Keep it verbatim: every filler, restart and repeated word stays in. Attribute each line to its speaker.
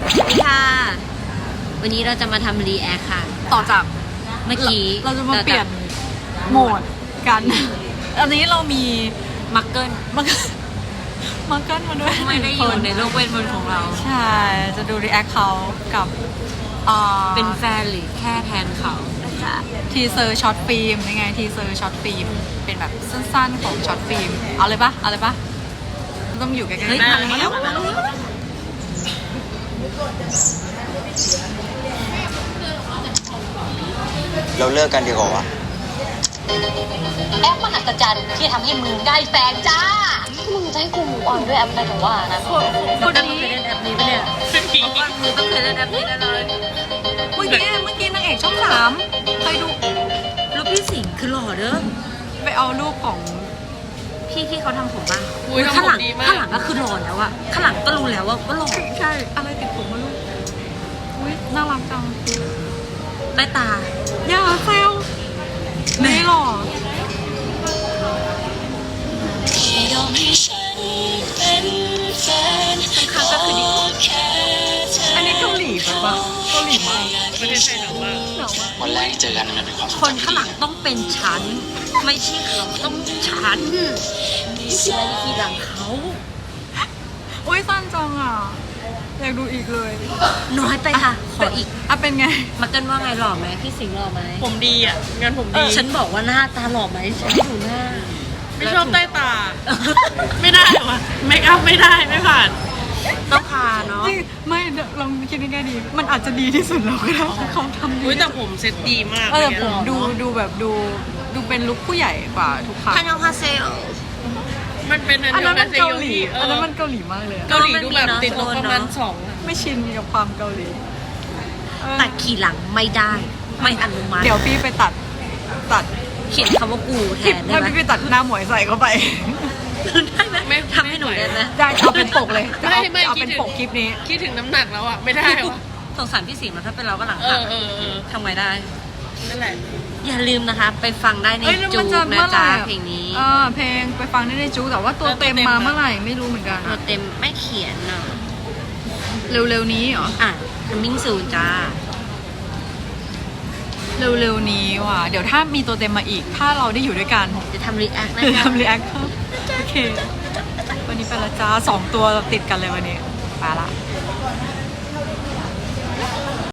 Speaker 1: สวัสดีค่ะวันนี้เราจะมาทำรีแอคค่ะ
Speaker 2: ต่อจาก
Speaker 1: เมื่อกี้
Speaker 2: เราจะมาเปลี่ยนโหมดกันอันนี้เรามี
Speaker 1: มักเกิล
Speaker 2: มักมักเกิลมาด้วย
Speaker 1: ไม่ได้อยู่ในโลกเวทมนต์ของเรา
Speaker 2: ใช่จะดูรีแอคเขากับ
Speaker 1: เป็นแฟนหรือแค่แทนเขา
Speaker 2: ทีเซอร์ช็อตฟิล์มยังไงทีเซอร์ช็อตฟิล์มเป็นแบบสั้นๆของช็อตฟิล์มเอาเลยปะเอาเลยปะต้องอยู่ใกล้ๆ
Speaker 1: มาแล้ว
Speaker 3: เราเลิกกันดีกว่าวะ
Speaker 4: แอปมหัศจรรย์ที่ทำให้มึงได้แฟนจ้ามึงจะให้กูมูออนด้วยแอปอะไรถึงว่านะ
Speaker 1: คนนี้เคยเล่นแอปนี้ปะเนี่ยเพราะว่ามึงต้องเคยเล่นแอปนี้แน่เลย
Speaker 2: เมื่อกี้เมื่อกี้นางเอกช่องสามเคยดู
Speaker 1: รูปพี่สิงห์คือหล่อเด้อ
Speaker 2: ไปเอารูปของ
Speaker 1: พี่ที่เขาทำผมบ้างข้างหลังข้างหลังก็คือหล่อแล้วอะข้างหลังก็รู้แล้วว่าว่าหล่อ
Speaker 2: ใช่อะไรติดผมมาลูกอุ้ยน่ารักจัง
Speaker 1: ใต้ตา
Speaker 2: อย่าเซลไม่หล่อ
Speaker 1: ข้างก็คือดี
Speaker 2: อันนี้เกาหลีปะวะเกาหลีมาก
Speaker 1: ประเทศไทยหนาวมาก
Speaker 3: วันแรกที่เจอกันมันเป็นความ
Speaker 1: คนข้างหลังต้องเป็นฉันไม่ใช่เขาต้องฉันนี่คืออะไรที่หลังเขา
Speaker 2: อุ้ยสั้นจังอ่ะอยากดูอีกเลย
Speaker 1: น้อยไปค่ะขออีก
Speaker 2: อ่ะเป็นไง
Speaker 1: มาเกินว่าไงหล่อไหมพี่สิงห์หล่อไหม
Speaker 5: ผมดีอ่ะงานผมดี
Speaker 1: ฉันบอกว่าหน้าตาหล่อไหมฉันดูหน้า
Speaker 5: ไม่ชอบใต้ตาไม่ได้วะเมคอัพไม่ได้ไม่ผ่าน
Speaker 1: ต้องพาเนาะ
Speaker 2: ไม่ลองคิดง่ายๆดีมันอาจจะดีที่สุดแล้วก็ได้เขาทำดี
Speaker 5: แต่ผมเซ็ตดีมาก
Speaker 2: เออผมดูดูแบบดูดูเป็นลุคผู้ใหญ่กว่าทุกครั้ง
Speaker 1: ฮันยองฮาเซล
Speaker 5: มันเป็น
Speaker 2: อันนั้นมันเกาหลีอันนั้นมันเกาหลีมากเลย
Speaker 5: เกาหลีดูแบบติดลบประมาณสอง
Speaker 2: ไม่ชินกับความเกาหลี
Speaker 1: ตัดขี่หลังไม่ได้ไม่อนุมัติ
Speaker 2: เดี๋ยวพี่ไปตัดตัด
Speaker 1: เขียนคำว่ากูแทน
Speaker 2: ได้ไหมพี่ไปตัดหน้าหมวยใส่เข้าไป
Speaker 1: ได้ไหมไม่ทำให้หนูได้ไหม
Speaker 2: ได้เอาเป็นปกเลยไม่ไม่เอาเป็นปกคลิปนี้
Speaker 5: คิดถึงน้ำหนักแล้วอ่ะไม่ได้วะ
Speaker 1: สงสารพี่สิงห์ถ้าเป็นเราก็หลัง
Speaker 5: เออเออเออ
Speaker 1: ทำไงได้
Speaker 5: นั่นแหละ
Speaker 1: อย่าลืมนะคะไปฟังได้ในจูนะจ๊ะเพลงนี้
Speaker 2: เออเพลงไปฟังได้ในจูแต่ว่าตัวเต็มมาเมื่อไหร่ไม่รู้เหมือนกัน
Speaker 1: ตัวเต็มไม่เขียนเนาะ
Speaker 2: เร็วๆนี้เหรอ
Speaker 1: อ่ะมิ่งซูนจ้า
Speaker 2: เร็วๆนี้ว่ะเดี๋ยวถ้ามีตัวเต็มมาอีกถ้าเราได้อยู่ด้วยกัน
Speaker 1: จะทำรีแอคนะคะ
Speaker 2: ทำรีแอคโอเควันนี้ไปละจ้าสองตัวติดกันเลยวันนี้ไปละ